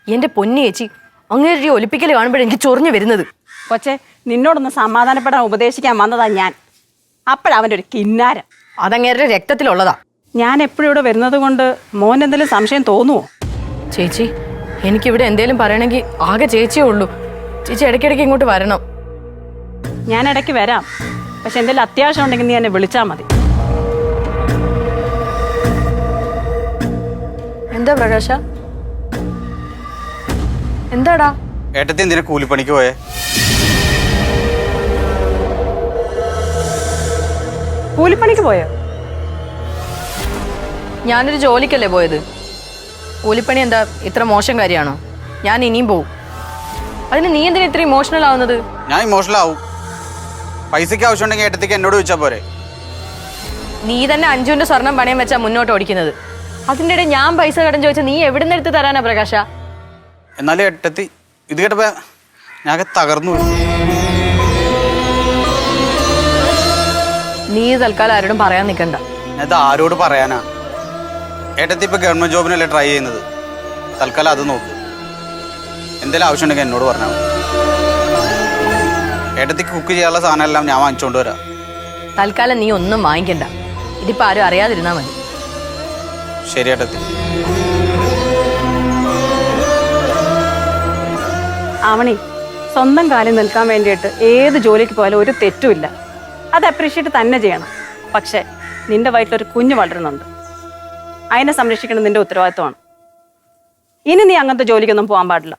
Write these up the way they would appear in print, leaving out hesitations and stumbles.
എന്റെ പൊന്നു ചേച്ചി, അങ്ങനെ ഒലിപ്പിക്കൽ കാണുമ്പോഴേ എനിക്ക് ചൊറിഞ്ഞു വരുന്നത്. കൊച്ചെ, നിന്നോടൊന്ന് സമാധാനപ്പെടാൻ ഉപദേശിക്കാൻ വന്നതാ ഞാൻ. അപ്പോഴവൻ്റെ ഒരു കിന്നാരം. അതങ്ങേരുടെ രക്തത്തിലുള്ളതാ. ഞാൻ എപ്പോഴും ഇവിടെ വരുന്നത് കൊണ്ട് മോൻ എന്തെങ്കിലും സംശയം തോന്നുവോ? ചേച്ചി, എനിക്കിവിടെ എന്തേലും പറയണമെങ്കിൽ ആകെ ചേച്ചിയേ ഉള്ളൂ. ചേച്ചി ഇടയ്ക്കിടയ്ക്ക് ഇങ്ങോട്ട് വരണം. ഞാൻ ഇടയ്ക്ക് വരാം, പക്ഷെ എന്തെങ്കിലും അത്യാവശ്യം ഉണ്ടെങ്കിൽ നീ എന്നെ വിളിച്ചാൽ മതി. എന്താ പ്രകാശ? എന്താടാ? ഏട്ടത്തി എന്തിനാ കൂലിപ്പണിക്ക് പോയേ? കൂലിപ്പണിക്ക് പോയോ? ഞാനൊരു ജോലിക്കല്ലേ പോയത്. കൂലിപ്പണി എന്താ ഇത്ര മോശം കാര്യമാണോ? ഞാൻ ഇനിയും പോവും. അതിന് നീ എന്തിനാ ഇത്ര ഇമോഷണൽ ആവുന്നത്? ഞാൻ ഇമോഷണൽ ആവും. പൈസക്ക് ആവശ്യമുണ്ടെങ്കിൽ ഏട്ടത്തിക്ക് എന്നോട് ചോദിച്ചാൽ പോരെ? നീ തന്നെ അഞ്ജുവിന്റെ സ്വർണം പണയം വെച്ചാ മുന്നോട്ട് ഓടിക്കുന്നത്. അതിൻ്റെ ഇടയിൽ ഞാൻ പൈസ കടം ചോദിച്ചാൽ നീ എവിടെ നിന്ന് എടുത്ത് തരാനാ പ്രകാശ? എന്നാലും ഏട്ടത്തി ഇത് കേട്ടപ്പോ ഞാൻ തകർന്നു. നീ തൽക്കാലം ആരോടും പറയാൻ നിൽക്കണ്ട. ഞാനത് ആരോട് പറയാനാ? ഏട്ടത്തി ഇപ്പൊ ഗവൺമെന്റ് ജോബിനല്ലേ ട്രൈ ചെയ്യുന്നത്. തൽക്കാലം അത് നോക്ക്. എന്തെങ്കിലും ആവശ്യമുണ്ടെങ്കിൽ എന്നോട് പറഞ്ഞാൽ മതി. ഏട്ടത്തിക്ക് കുക്ക് ചെയ്യാനുള്ള സാധനം എല്ലാം ഞാൻ വാങ്ങിച്ചോണ്ട് വരാം. തൽക്കാലം നീ ഒന്നും വാങ്ങിക്കണ്ട. ഇതിപ്പോ ആരും അറിയാതിരുന്നാ മതി. ശരി ഏട്ടത്തി. ആവണി, സ്വന്തം കാലിൽ നിൽക്കാൻ വേണ്ടിയിട്ട് ഏത് ജോലിക്ക് പോയാലും ഒരു തെറ്റുമില്ല. അത് അപ്രീഷിയേറ്റ് തന്നെ ചെയ്യണം. പക്ഷേ നിന്റെ വയറ്റിലൊരു കുഞ്ഞ് വളരുന്നുണ്ട്. അതിനെ സംരക്ഷിക്കണം നിന്റെ ഉത്തരവാദിത്വമാണ്. ഇനി നീ അങ്ങനത്തെ ജോലിക്കൊന്നും പോകാൻ പാടില്ല.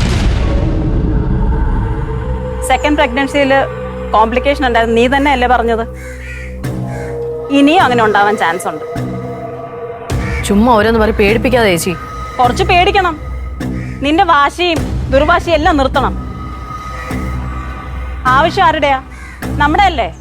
സെക്കൻഡ് പ്രഗ്നൻസിയിൽ കോംപ്ലിക്കേഷൻ ഉണ്ടായിരുന്നു, നീ തന്നെ അല്ലേ പറഞ്ഞത്? ഇനിയും അങ്ങനെ ഉണ്ടാവാൻ ചാൻസ് ഉണ്ട്. ചുമ്മാ ഓരോന്ന് പറയും പേടിപ്പിക്കാതെ ചേച്ചി. കുറച്ച് പേടിക്കണം. നിന്റെ വാശിയും ദുർവാശിയും എല്ലാം നിർത്തണം. ആവശ്യം ആരുടെയാ? നമ്മുടെ അല്ലേ?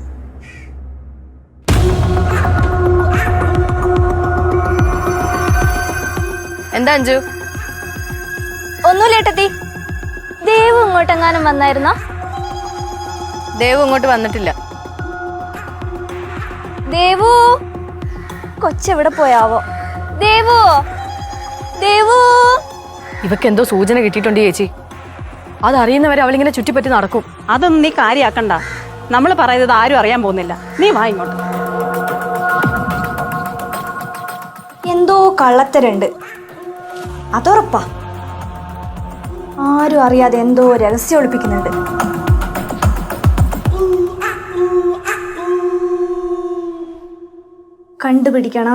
എന്താ അഞ്ജു? ഒന്നുമില്ല ഏട്ടത്തി. ദേവു ഇങ്ങോട്ടെങ്ങാനും വന്നായിരുന്നോ? ദേവു ഇങ്ങോട്ട് വന്നിട്ടില്ല. ദേവു കൊച്ചെവിടെ പോയാവോ? ദേവു, ദേവു. ഇവക്ക് എന്തോ സൂചന കിട്ടിയിട്ടുണ്ട് ചേച്ചി. അതറിയുന്നവരെ അവളിങ്ങനെ ചുറ്റിപ്പറ്റി നടക്കും. അതൊന്നും നീ കാര്യാക്കണ്ട. നമ്മൾ പറയുന്നത് ആരും അറിയാൻ പോകുന്നില്ല. നീ വാ ഇങ്ങോട്ട്. എന്തോ കള്ളത്തരുണ്ട്, അതുറപ്പാ. ആരും അറിയാതെ എന്തോ രഹസ്യം ഒളിപ്പിക്കുന്നുണ്ട്. കണ്ടുപിടിക്കണം.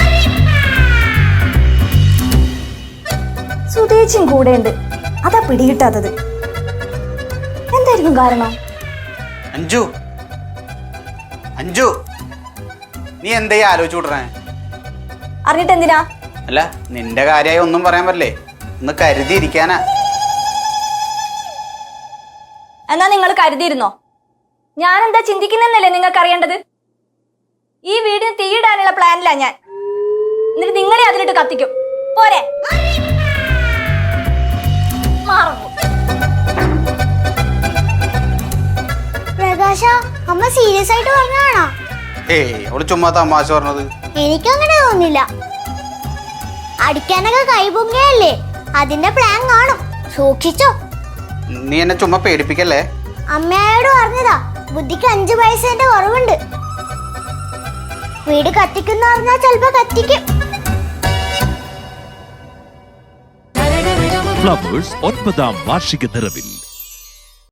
സുതേച്ചും കൂടെ ഉണ്ട്, അതാ പിടികിട്ടാത്തത്. എന്തായിരിക്കും കാരണം? അഞ്ജു, അഞ്ജു, നീ എന്തായി ആലോചിച്ചു വിടണേ? അറിഞ്ഞിട്ട് എന്തിനാ? അല്ല, നിന്റെ കാര്യമായി ഒന്നും പറയാൻ പറ്റില്ലേ? ഒന്ന് കരുതിയിരിക്കാനാ. എന്നാ നിങ്ങൾ കരുതിയിരുന്നോ? ഞാനെന്താ ചിന്തിക്കുന്നല്ലേ നിങ്ങൾക്ക് അറിയേണ്ടത്? ഈ വീടിന് തീയിടാനുള്ള പ്ലാനിലാ ഞാൻ. എന്നിട്ട് നിങ്ങളെ അതിലിട്ട് കത്തിക്കും പോരെ? പ്രകാശ, അമ്മ സീരിയസ് ആയിട്ട് പറഞ്ഞാണോ? ഏയ്, അവള് ചുമ്മാ തമാശ പറഞ്ഞത്. എനിക്കങ്ങനെ തോന്നില്ല. അടിക്കാനൊക്കെ കൈപൊങ്ങിയല്ലേ, അതിന്റെ പ്ലാൻ കാണും. സൂക്ഷിച്ചോ. നീ എന്നെ ചുമ്മാ പേടിപ്പിക്കല്ലേ. അമ്മയോട് പറഞ്ഞതാ, ബുദ്ധിക്ക് 5 പൈസേന്റെ കുറവുണ്ട്. വീട് കത്തിക്കുന്ന പറഞ്ഞാൽ ചിലപ്പോ കത്തിക്കും. ഫ്ലവേഴ്സ് 9ാം വാർഷിക നിറവിൽ